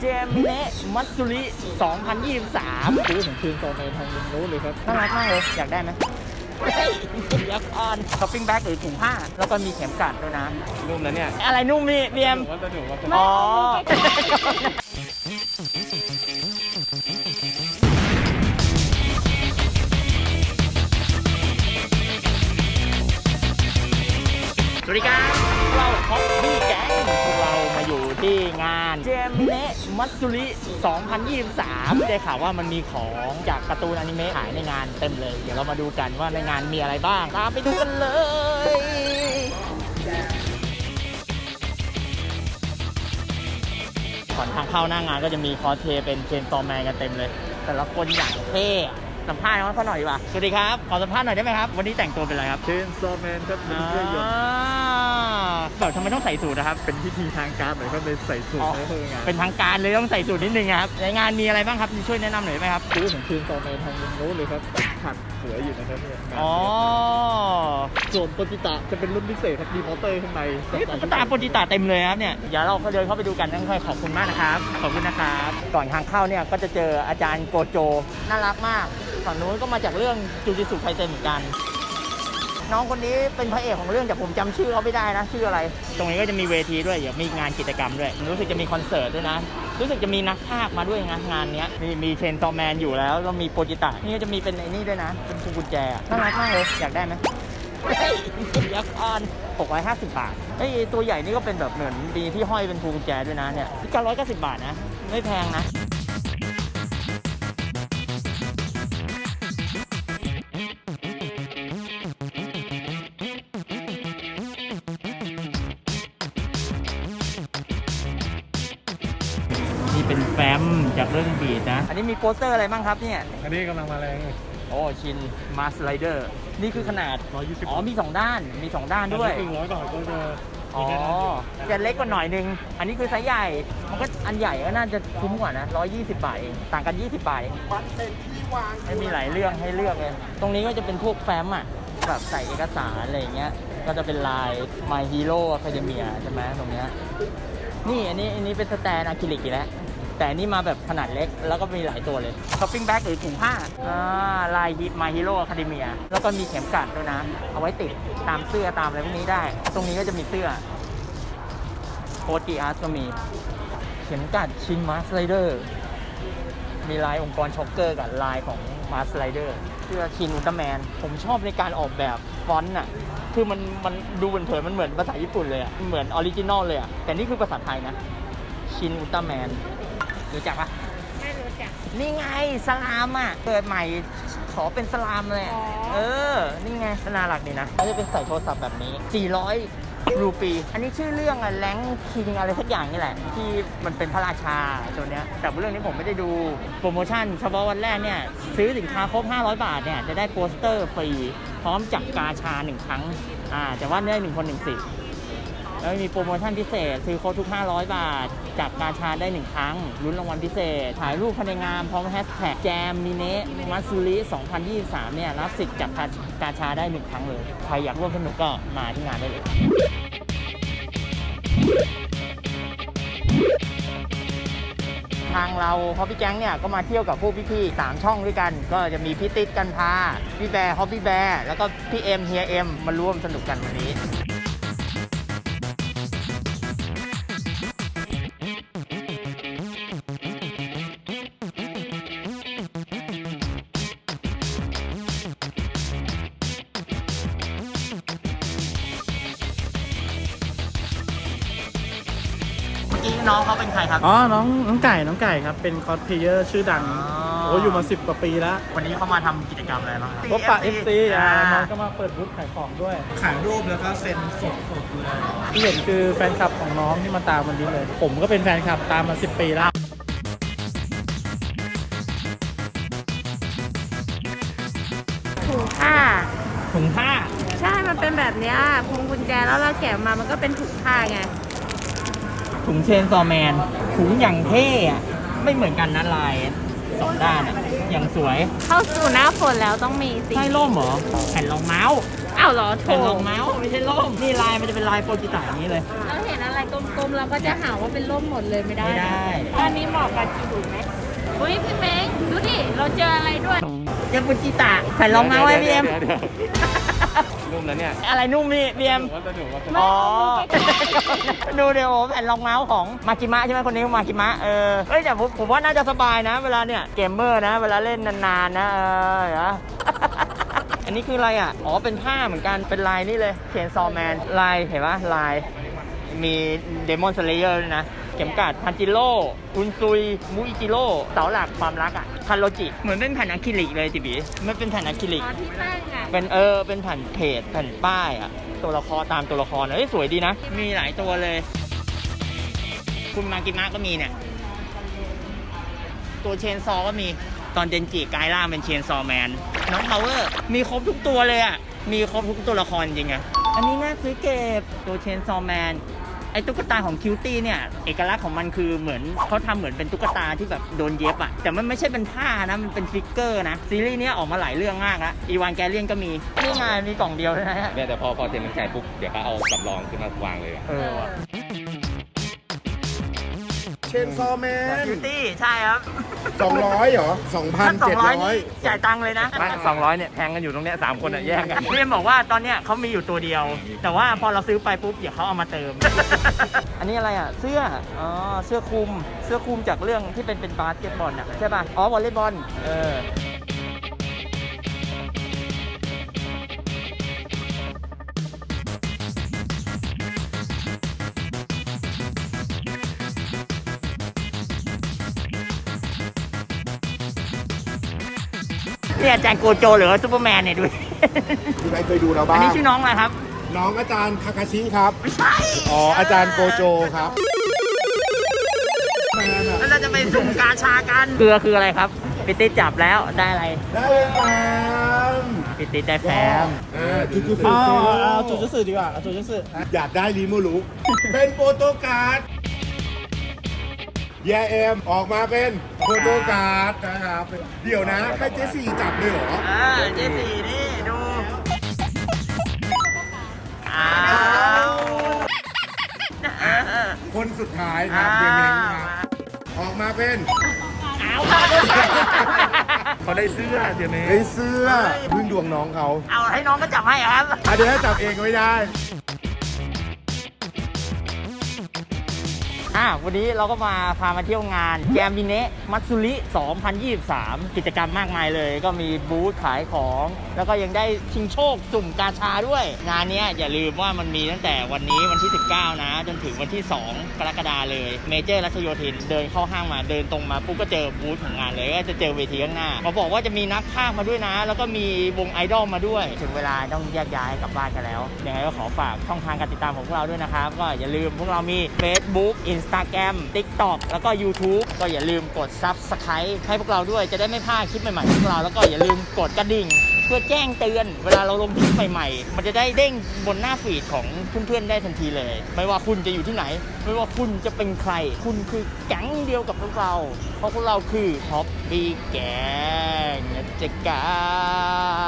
เจมิเนะมัตสุริ 2023 ซื้อของคืนตอนในทางลุงรู้เลยครับน่ารักมากเลยอยากได้ไหมเฮ้ยเดี๋ยวก่อนช้อปปิ้งแบ็กหรือถุงผ้าแล้วก็มีเข็มกลัดด้วยนะนุ่มแล้วเนี่ยอะไรนุ่มนี่เบียมผมว่าจะถูกว่าจะอ๋อ สวัสดีครับเราฮอปปี้แก๊งพวกเรามาอยู่ที่งานเจมิเนะมัตสุริ 2023 ได้ข่าวว่ามันมีของจากการ์ตูนอนิเมะขายในงานเต็มเลย เดี๋ยวเรามาดูกันว่าในงานมีอะไรบ้าง ตามไปดูกันเลย ก่อนทางเข้าหน้างานก็จะมีคอสเพลย์เป็นเชนซอว์แมนกันเต็มเลย แต่ละคนอย่างเท่อะสัมภาษณ์น้องเขาหน่อยดีกว่าสวัสดีครับ ขอสัมภาษณ์หน่อยได้ไหมครับ วันนี้แต่งตัวเป็นอะไรครับเชนซอว์แมนครับเป็นเครื่องยนต์แบบทำไมต้องใส่สูทนะครับเป็นพิธีทางการหน่อยก็เลยใส่สูทในเพื่องานเป็นทางการเลยต้องใส่สูทนิดนึงครับในงานมีอะไรบ้างครับช่วยแนะนำหน่อยไหมครับซื้อของคืนตอนในทางลุงรู้เลยครับขัดสวยอยู่นะครับเนี่ยอ๋อส่วนโปรจิตะจะเป็นรุ่นพิเศษครับมีมอเตอร์ข้างในนี่ตุ๊กตาโปรจิตาเต็มเลยครับเนี่ยเดี๋ยวเราเดินเข้าไปดูกันทั้งค่อยขอบคุณมากนะครับขอบคุณนะครับก่อนทางเข้าเนี่ยก็จะเจออาจารย์โกโจน่ารักมากฝั่งนู้นก็มาจากเรื่องจูจิสุไคเซ็นเหมือนกัน น้องคนนี้เป็นพระเอกของเรื่องแต่ผมจำชื่อเขาไม่ได้นะชื่ออะไร ตรงนี้ก็จะมีเวทีด้วยเดี๋ยวมีงานกิจกรรมด้วยรู้สึกจะมีคอนเสิร์ตด้วยนะรู้สึกจะมีนักพากย์มาด้วยงานเนี้ยมีเชนซอว์แมนอยู่แล้วมีโปรจิตะนี่ก็จะมีเป็นไอ้นี่ด้วยนะเป็นพวงกุญแจน่ารักมากเลยอยากได้ไหมเฮ้ยเดี๋ยวก่อน650 บาทไอ้ยตัวใหญ่นี่ก็เป็นแบบเหมือนดีที่ห้อยเป็นพวงกุญแจด้วยนะเนี่ยที่990 บาทนะไม่แพงนะนี่เป็นแฟ้มจากเรื่องบีดนะอันนี้มีโปสเตอร์อะไรบ้างครับเนี่ยอันนี้กำลังมาแรงโอ้ชินมาสไลเดอร์นี่คือขนาด 120 อ๋อมี2ด้านมี2ด้านด้วย 100 บาทก็จะอ๋อจะเล็กกว่าหน่อยนึงอันนี้คือไซส์ใหญ่มันก็อันใหญ่ก็น่าจะคุ้มกว่านะ120 บาทเองต่างกัน20 บาทเองไม่มีหลายเรื่องให้เลือกเลยตรงนี้ก็จะเป็นพวกแฟ้มอ่ะแบบใส่เอกสารอะไรอย่างเงี้ยก็จะเป็นลาย My Hero Academia ใช่ไหมตรงเนี้ยนี่อันนี้เป็นสแตนอะคริลิกอีกแล้วแต่อันนี่มาแบบขนาดเล็กแล้วก็มีหลายตัวเลยช้อปปิ้งแบ็กหรือถุงผ้าลาย My Hero Academia แล้วก็มีเข็มกลัดด้วยนะเอาไว้ติดตามเสื้อตามอะไรพวกนี้ได้ตรงนี้ก็จะมีเสื้อโค้ดกีอาร์ตก็มีเข็มกลัดชินมาสไลเดอร์มีลายองค์กรช็อกเกอร์กับลายของมาสไลเดอร์เสื้อชินอุลตร้าแมนผมชอบในการออกแบบฟอนต์อ่ะคือมันดูเผินๆมันเหมือนภาษาญี่ปุ่นเลยอ่ะเหมือนออริจินอลเลยอ่ะแต่นี่คือภาษาไทยนะชินอุลตร้าแมนรู้จักปะไม่รู้จักนี่ไงสลามอ่ะเกิดใหม่ขอเป็นสลามเลยนี่ไงน่ารักดีนะเขาจะเป็นใส่โทรศัพท์แบบนี้400 รูปีอันนี้ชื่อเรื่องอะแรงคิงอะไรสักอย่างนี่แหละที่มันเป็นพระราชาตัวเนี้ยแต่เรื่องนี้ผมไม่ได้ดูโปรโมชั่นเฉพาะวันแรกเนี่ยซื้อสินค้าครบ500 บาทเนี่ยจะได้โปสเตอร์ฟรีพร้อมจับกาชา1 ครั้งแต่ว่าได้1 คน 1 สิทธิ์แล้วมีโปรโมชั่นพิเศษซื้อครบทุก500 บาทจับกาชาได้1 ครั้งลุ้นรางวัลพิเศษถ่ายรูปภายในงานพร้อมแฮชแท็กแจมมิเนะมัตสุริ 2023 เนี่ยรับสิทธิ์จับกาชาได้1 ครั้งเลยใครอยากร่วมสนุกก็มาที่งานได้เลยทางเราฮอปปี้แก๊งเนี่ยก็มาเที่ยวกับพวกพี่ๆ3 ช่องด้วยกันก็จะมีพี่ติ๊ดกันพาพี่แบร์ฮอปปี้แบร์แล้วก็พี่เอ็มเฮียเอ็มมาร่วมสนุกกันวันนี้น้องเขาเป็นใครครับอ๋อ น้องไก่ครับ เป็นคอสเพลเยอร์ชื่อดัง โอ้อยู่มา10 กว่าปีแล้ววันนี้เขามาทำกิจกรรมอะไรบ้างครับพบปะ FC น้องก็มาเปิดบูธขายของด้วย ขายรูปแล้วก็เซ็นสดเลยที่เห็นคือแฟนคลับของน้องที่มาตามวันนี้เลย ผมก็เป็นแฟนคลับตามมา10 ปีแล้วถุงผ้าถุงผ้าใช่ มันเป็นแบบเนี้ยพวงกุญแจแล้วเราแกะมามันก็เป็นถุงผ้าไงถุงเชนซอว์แมนถุงอย่างเท่อะไม่เหมือนกันนะลาย2 ด้านอะอย่างสวยเข้าสู่หน้าฝนแล้วต้องมีสิใช่ร่มเหรอแผ่นรองเมาส์อ้าวเหรอโถแผ่นรองเมาส์ไม่ใช่ร่มนี่ลายมันจะเป็นลายโปรจิตาอย่างนี้เลยเราเห็นอะไรกลมๆเราก็จะหาว่าเป็นร่มหมดเลยไม่ได้ไม่ได้อันนี้เหมาะกับจิ๋วไหมอุ้ยพี่เม้งดูดิเราเจออะไรด้วยยาปุจิตะแผ่นรองเท้าไว้พี่เอ็มนุ่มแล้วเนี่ยอะไรนุ่มนี่พี่เอ็มว่าจะถูกว่าอ๋อ ดูเดี๋ยวแผ่นรองเท้าของมากิมะใช่ไหมคนนี้มากิมะเฮ้ยแต่ผมว่าน่าจะสบายนะ เวลาเนี่ยเกมเมอร์นะ เวลาเล่นนานๆนะเห็นปะ อันนี้คืออะไรอ่ะ อ๋อ เป็นผ้าเหมือนกัน เป็นลายนี่เลยเชนซอแมนลายเห็นปะลาย มีเดมอนสเลเยอร์ด้วยนะ เข็มกลัดพันจิโร่อุนซุยมูอิจิโร่เสาหลักความรักอ่ะคันโรจิ เหมือนเป็นแผ่นอะคริลิกเลยจิบีมันเป็นแผ่นอะคริลิกอ๋อที่ตั้งอ่ะเป็นเป็นแผ่นเพจแผ่นป้ายอ่ะ ตัวละครตามตัวละครเอ้ยสวยดีนะ มีหลายตัวเลย คุณมากิมะก็มีเนี่ย ตัวเชนซอก็มีตอนเดนจิกลายร่างเป็นเชนซอแมนน้องพาวเวอร์มีครบทุกตัวเลยอ่ะ มีครบทุกตัวละครจริงอะอันนี้น่าซื้อเก็บตัวเชนซอแมนไอ้ตุ๊กตาของคิวตี้เนี่ยเอกลักษณ์ของมันคือเหมือนเขาทำเหมือนเป็นตุ๊กตาที่แบบโดนเย็บอะแต่มันไม่ใช่เป็นผ้านะมันเป็นฟิกเกอร์นะซีรีส์นี้ออกมาหลายเรื่องมากแล้วอีวานแกเลียนก็มีนี่ไงมีกล่องเดียวนะฮะเนี่ยแต่พอเซ็นมันใช้ปุ๊บเดี๋ยวเขาเอาสำรองขึ้นมาวางเลยอะว่ะเชนซอแมนคิวตี้ใช่ครับ 200เหรอถ้า200 2,700 นี่จ่ายตังค์เลยนะไม่200เนี่ยแทงกันอยู่ตรงเนี้ย3คนอ่ะแย่งกันพี่เอ็มบอกว่าตอนเนี้ยเขามีอยู่ตัวเดียว แต่ว่าพอเราซื้อไปปุ๊บเดี๋ยวเขาเอามาเติม อันนี้อะไรอ่ะเสื้อเสื้อคลุมจากเรื่องที่เป็นบาสเกตบอลอ่ะใช่ป่ะอ๋อวอลเลย์บอลเนี่ยอาจารย์โกโจหรือว่าซูเปอร์แมนเนี่ยดูมีใครเคยดูเราอับ้าน งนี้ชื่อน้องอะไรครับน้องอาจารย์คาคาชิครับไม่ใช่อ๋อ อาจารย์โกโจครับแมนอะแล้วเราจะไปสุ่มกาชากันเกลือคืออะไรครับปิติจับแล้วได้อะไรได้เลยแฟมปิติได้แฟมจุดจุดเอาจูจูสึดีกว่าเอาจูจูสึอยากได้รีโมลุกเป็นโปรโตการ์ดแยเอ็มออกมาเป็นโปรโตการ์ดนะครับ เดี๋ยวนะให้เจสี่จับเลยเหรอเจสี่นี่ดูอ้าวคนสุดท้ายครับเดเมงครับออกมาเป็นอ้าวเขาได้เสื้อเดี๋ยวนี้ไอ้เสื้อพึ่งดวงน้องเขาเอาให้น้องก็จับให้ครับเดี๋ยวให้จับเองไม่ได้วันนี้เราก็พามาเที่ยวงานแกมบิเนะมัตสึริ 2023 กิจกรรมมากมายเลย ก็มีบูธขายของ แล้วก็ยังได้ชิงโชคสุ่มกาชาด้วย งานนี้อย่าลืมว่ามันมีตั้งแต่วันนี้วันที่ 19 นะ จนถึงวันที่ 2 กรกฎาคมเลย เมเจอร์รัชโยธินเดินเข้าห้างมาเดินตรงมาปุ๊บก็เจอบูธของงานเลย ก็จะเจอเวทีข้างหน้าเขาบอกว่าจะมีนักพากย์มาด้วยนะ แล้วก็มีวงไอดอลมาด้วย ถึงเวลาต้องแยกย้ายกลับบ้านกันแล้วยังไงก็ขอฝากช่องทางการติดตามของพวกเราด้วยนะครับก็อย่าลืมพวกเรามี Facebook Instagram TikTok แล้วก็ YouTube ก็อย่าลืมกด Subscribe ให้พวกเราด้วยจะได้ไม่พลาดคลิปใหม่ๆของพวกเราแล้วก็อย่าลืมกดกระดิ่งเพื่อแจ้งเตือนเวลาเราลงคลิปใหม่ๆมันจะได้เด้งบนหน้าฟีดของเพื่อนๆได้ทันทีเลย ไม่ว่าคุณจะอยู่ที่ไหน ไม่ว่าคุณจะเป็นใคร คุณคือแก๊งเดียวกับพวกเราเพราะพวกเราคือท็อปปี้แก๊งนะจ๊ะกา